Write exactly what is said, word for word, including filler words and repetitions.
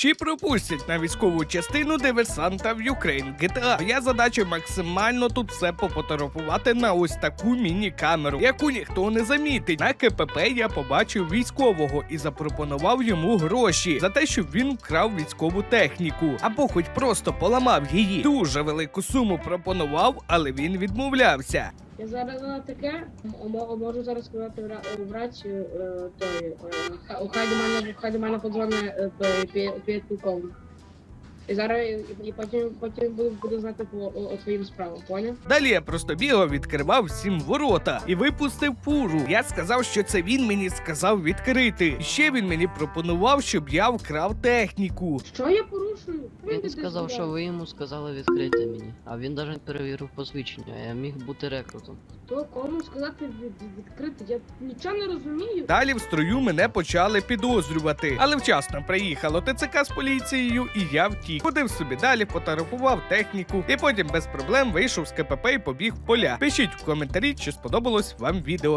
Чи пропустять на військову частину диверсанта в Ukraine джі ті ей? Моя задача максимально тут все пофотографувати на ось таку міні-камеру, яку ніхто не замітить. На ка пе пе я побачив військового і запропонував йому гроші за те, щоб він вкрав військову техніку, або хоч просто поламав її. Дуже велику суму пропонував, але він відмовлявся. Я зараз на таке м- можу зараз сказати в ра- в рацію е, той, е, ха- хай до мене хай до мене подзвони підполковник. І зараз і, і потім потім буду, буду знати по о, о твоїм справам, поняв? Далі я просто бігав, відкривав всім ворота і випустив фуру. Я сказав, що це він мені сказав відкрити. І ще він мені пропонував, щоб я вкрав техніку. Що я порушую? Він сказав, що ви йому сказали відкрити мені, а він навіть перевірив посвідчення, я міг бути рекрутом. Хто кому сказати від, відкрити? Я нічого не розумію. Далі в строю мене почали підозрювати, але вчасно приїхало те це ка з поліцією, і я втік. Ходив собі далі, фотографував техніку, і потім без проблем вийшов з ка пе пе і побіг в поля. Пишіть в коментарі, чи сподобалось вам відео.